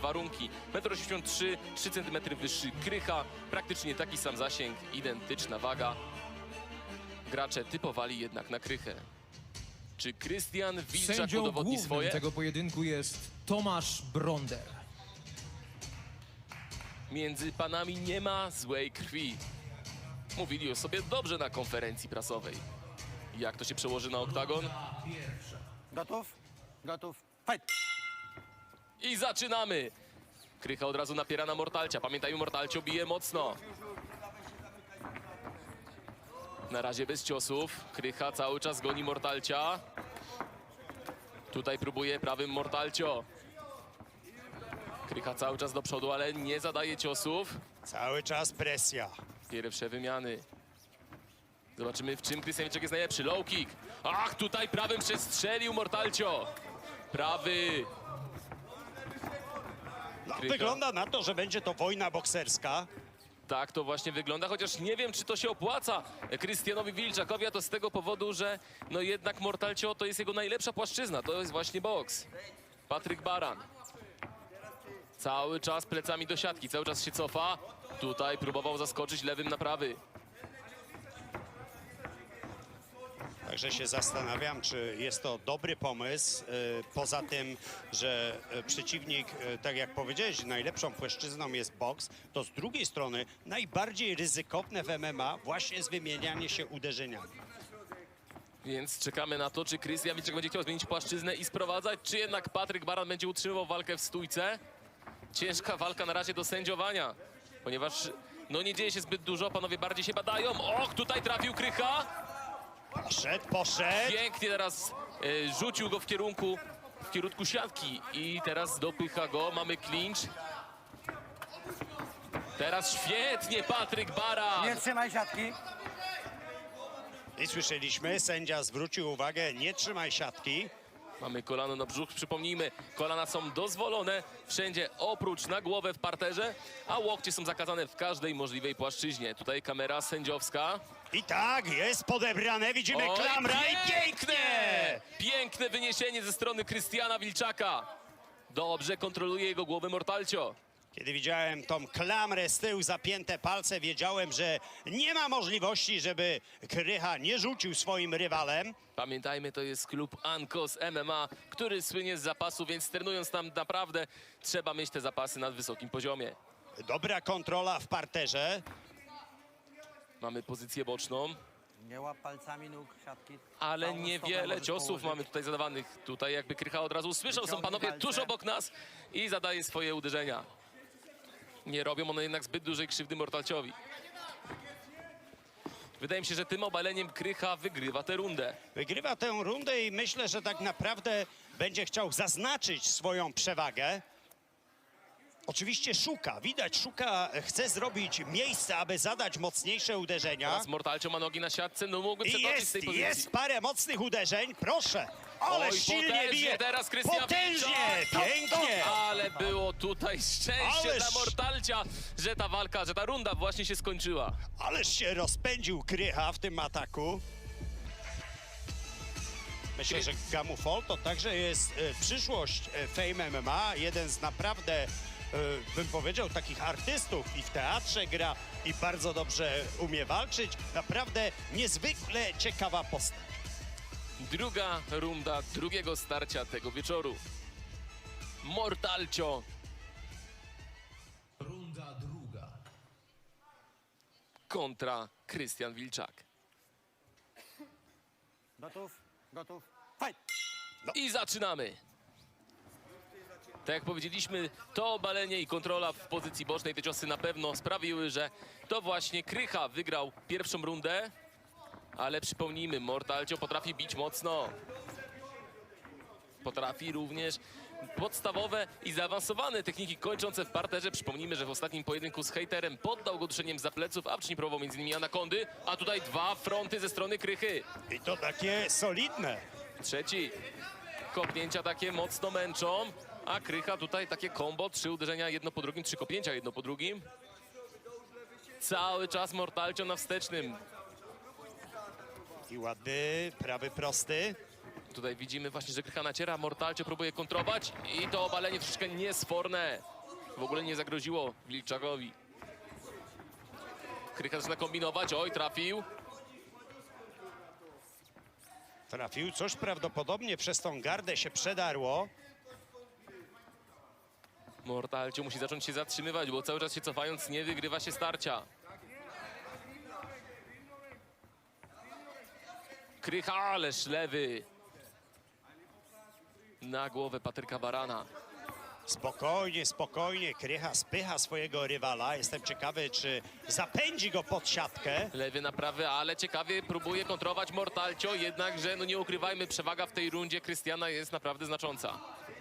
warunki. 1,83 m, 3 cm wyższy Krycha, praktycznie taki sam zasięg, identyczna waga. Gracze typowali jednak na Krychę. Czy Krystian Wilczak Sędzią udowodni głównym swoje? tego pojedynku jest Tomasz Bronder. Między panami nie ma złej krwi. Mówili o sobie dobrze na konferencji prasowej. Jak to się przełoży na oktagon? Gotów? Gotów. Fight! I zaczynamy! Krycha od razu napiera na Mortalcia. Pamiętajmy, Mortalcio bije mocno. Na razie bez ciosów. Krycha cały czas goni Mortalcia. Tutaj próbuje prawym Mortalcio. Krycha cały czas do przodu, ale nie zadaje ciosów. Cały czas presja. Pierwsze wymiany. Zobaczymy, w czym Krystian Wilczak jest najlepszy. Low kick. Ach, tutaj prawym przestrzelił Mortalcio. Prawy. No, Krycha. wygląda na to, że będzie to wojna bokserska. Tak to właśnie wygląda, chociaż nie wiem, czy to się opłaca Krystianowi Wilczakowi, a to z tego powodu, że no jednak Mortalcio to jest jego najlepsza płaszczyzna. To jest właśnie boks. Patryk Baran. Cały czas plecami do siatki, cały czas się cofa. Tutaj próbował zaskoczyć lewym na prawy. Także się zastanawiam, czy jest to dobry pomysł. Poza tym, że przeciwnik, tak jak powiedziałeś, najlepszą płaszczyzną jest boks, to z drugiej strony najbardziej ryzykowne w MMA właśnie jest wymienianie się uderzeniami. Więc czekamy na to, czy Krystian Wilczak będzie chciał zmienić płaszczyznę i sprowadzać, czy jednak Patryk Baran będzie utrzymywał walkę w stójce. Ciężka walka na razie do sędziowania, ponieważ no nie dzieje się zbyt dużo, panowie bardziej się badają. Och, tutaj trafił Krycha. Poszedł. Pięknie teraz rzucił go w kierunku siatki i teraz dopycha go, mamy clinch. Teraz świetnie Patryk Baran. Nie trzymaj siatki. I słyszeliśmy, sędzia zwrócił uwagę, nie trzymaj siatki. Mamy kolano na brzuch, przypomnijmy, kolana są dozwolone wszędzie oprócz na głowę w parterze, a łokcie są zakazane w każdej możliwej płaszczyźnie. Tutaj kamera sędziowska. I tak, jest podebrane, widzimy Oj, klamra i pięknie! Piękne wyniesienie ze strony Krystiana Wilczaka. Dobrze kontroluje jego głowę Mortalcio. Kiedy widziałem tą klamrę z tyłu, zapięte palce, wiedziałem, że nie ma możliwości, żeby Krycha nie rzucił swoim rywalem. Pamiętajmy, to jest klub Ankos MMA, który słynie z zapasu, więc trenując tam naprawdę trzeba mieć te zapasy na wysokim poziomie. Dobra kontrola w parterze. Mamy pozycję boczną, Nie łap palcami nóg siatki. ale Całą stopę niewiele możesz ciosów położyć. mamy tutaj zadawanych. Tutaj jakby Krycha od razu usłyszał, są Wyciągnij panowie palce. tuż obok nas i zadaje swoje uderzenia. Nie robią one jednak zbyt dużej krzywdy Mortalciowi. Wydaje mi się, że tym obaleniem Krycha wygrywa tę rundę. Wygrywa tę rundę i myślę, że tak naprawdę będzie chciał zaznaczyć swoją przewagę. Oczywiście szuka, chce zrobić miejsce, aby zadać mocniejsze uderzenia. Teraz Mortalcio ma nogi na siatce, no mógłby I przetoczyć z tej pozycji. jest parę mocnych uderzeń, proszę. Ale Oj, silnie potężnie bije. teraz Krystian Potężnie, Wilczak. pięknie. Ale było tutaj szczęście Ależ- dla Mortalcia, że ta walka, że ta runda właśnie się skończyła. Ależ się rozpędził Krycha w tym ataku. Myślę, że Gamufol to także jest przyszłość Fame MMA. Jeden z naprawdę, bym powiedział, takich artystów i w teatrze gra i bardzo dobrze umie walczyć. Naprawdę niezwykle ciekawa postać. Druga runda drugiego starcia tego wieczoru. Mortalcio Runda druga. kontra Krystian Wilczak. Gotów? Gotów? Fight! I zaczynamy. Tak jak powiedzieliśmy, to obalenie i kontrola w pozycji bocznej, te ciosy na pewno sprawiły, że to właśnie Krycha wygrał pierwszą rundę. Ale przypomnijmy, Mortalcio potrafi bić mocno. Potrafi również podstawowe i zaawansowane techniki kończące w parterze. Przypomnijmy, że w ostatnim pojedynku z hejterem poddał go duszeniem za pleców, a wcześniej próbował m.in. anakondy, a tutaj dwa fronty ze strony Krychy. I to takie solidne. Trzeci. Kopnięcia takie mocno męczą, a Krycha tutaj takie combo, 3 uderzenia jedno po drugim, 3 kopnięcia jedno po drugim. Cały czas Mortalcio na wstecznym. I ładny, prawy prosty. Tutaj widzimy właśnie, że Krycha naciera, Mortalcio próbuje kontrować i to obalenie troszeczkę niesforne. w ogóle nie zagroziło Wilczakowi. Krycha zaczyna kombinować, oj, trafił. Trafił, coś prawdopodobnie przez tą gardę się przedarło. Mortalcio musi zacząć się zatrzymywać, bo cały czas się cofając nie wygrywa się starcia. Krycha, ależ lewy. Na głowę Patryka Barana. Spokojnie, spokojnie, Krycha spycha swojego rywala. Jestem ciekawy, czy zapędzi go pod siatkę. Lewy na prawy, ale ciekawie próbuje kontrować Mortalcio, jednakże no nie ukrywajmy, przewaga w tej rundzie Krystiana jest naprawdę znacząca.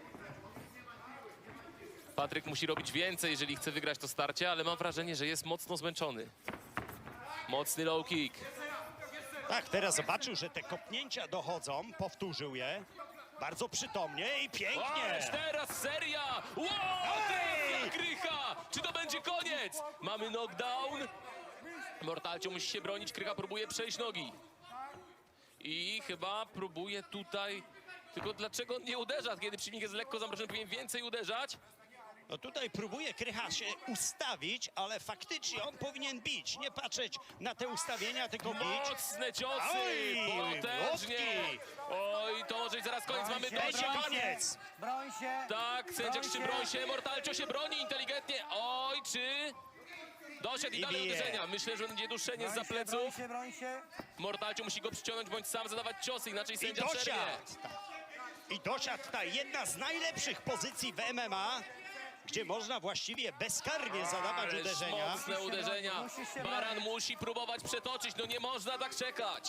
Patryk musi robić więcej, jeżeli chce wygrać to starcie, ale mam wrażenie, że jest mocno zmęczony. Mocny low kick. Tak, teraz zobaczył, że te kopnięcia dochodzą, powtórzył je. Bardzo przytomnie i pięknie. Ależ teraz seria! Wow! Ej! Trafia Krycha! Czy to będzie koniec? Mamy knockdown. Mortalcio musi się bronić, Krycha próbuje przejść nogi. I chyba próbuje tutaj... Tylko dlaczego on nie uderza? Kiedy przeciwnik jest lekko zamrożony, powinien więcej uderzać. No tutaj próbuje Krycha się ustawić, ale faktycznie on powinien bić. Nie patrzeć na te ustawienia, tylko bić. Mocne ciosy! Oj, Potężnie! łokci. Oj, to może być zaraz koniec. Mamy Broń się, dość. Koniec. Broń się. Tak, sędzia Broń krzyczy, się. broń się, Mortalcio się broni inteligentnie. Oj, czy... Doszedł i I dalej bije. uderzenia. Myślę, że będzie duszenie Broń za się, broń pleców. się, broń się. Mortalcio musi go przyciągnąć, bądź sam zadawać ciosy, inaczej I sędzia przerwie. dosiadł. I dosiadł ta jedna z najlepszych pozycji w MMA, gdzie można właściwie bezkarnie zadawać Ależ uderzenia. mocne uderzenia. Musisz się Baran bronić. musi próbować przetoczyć, no nie można tak czekać.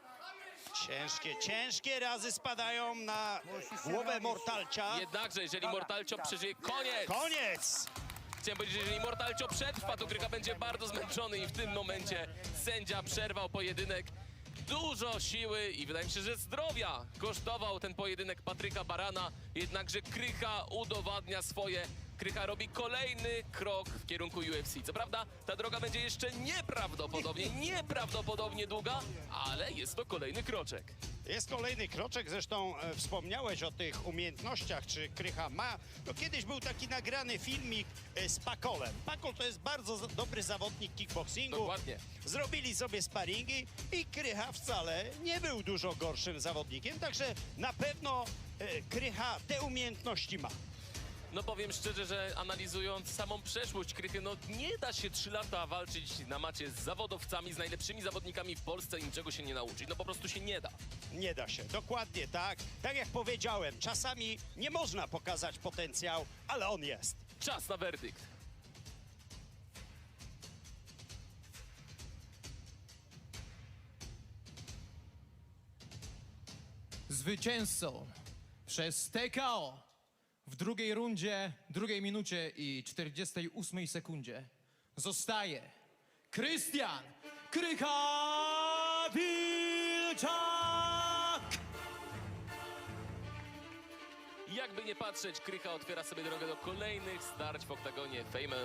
Ciężkie razy spadają na Musisz się głowę bronić. Mortalcia. Jednakże, jeżeli Dobra, Mortalcio tak. przeżyje, koniec! Koniec! Chciałem powiedzieć, że jeżeli Mortalcio przetrwa, to Krycha będzie bardzo zmęczony i w tym momencie sędzia przerwał pojedynek. Dużo siły i wydaje mi się, że zdrowia kosztował ten pojedynek Patryka Barana, jednakże Krycha udowadnia swoje. Krycha robi kolejny krok w kierunku UFC. Co prawda ta droga będzie jeszcze nieprawdopodobnie długa, ale jest to kolejny kroczek. Jest kolejny kroczek, zresztą wspomniałeś o tych umiejętnościach, czy Krycha ma. No kiedyś był taki nagrany filmik z Pakolem. Pakol to jest bardzo dobry zawodnik kickboxingu. Dokładnie. Zrobili sobie sparingi i Krycha wcale nie był dużo gorszym zawodnikiem, także na pewno Krycha te umiejętności ma. No powiem szczerze, że analizując samą przeszłość Krychy, no nie da się 3 lata walczyć na macie z zawodowcami, z najlepszymi zawodnikami w Polsce i niczego się nie nauczyć. No po prostu się nie da. Nie da się, dokładnie tak. Tak jak powiedziałem, czasami nie można pokazać potencjał, ale on jest. Czas na werdykt. Zwycięzcą przez TKO w drugiej rundzie, drugiej minucie i 48 sekundzie zostaje Krystian Krycha Wilczak! Jakby nie patrzeć, Krycha otwiera sobie drogę do kolejnych starć w oktagonie Fame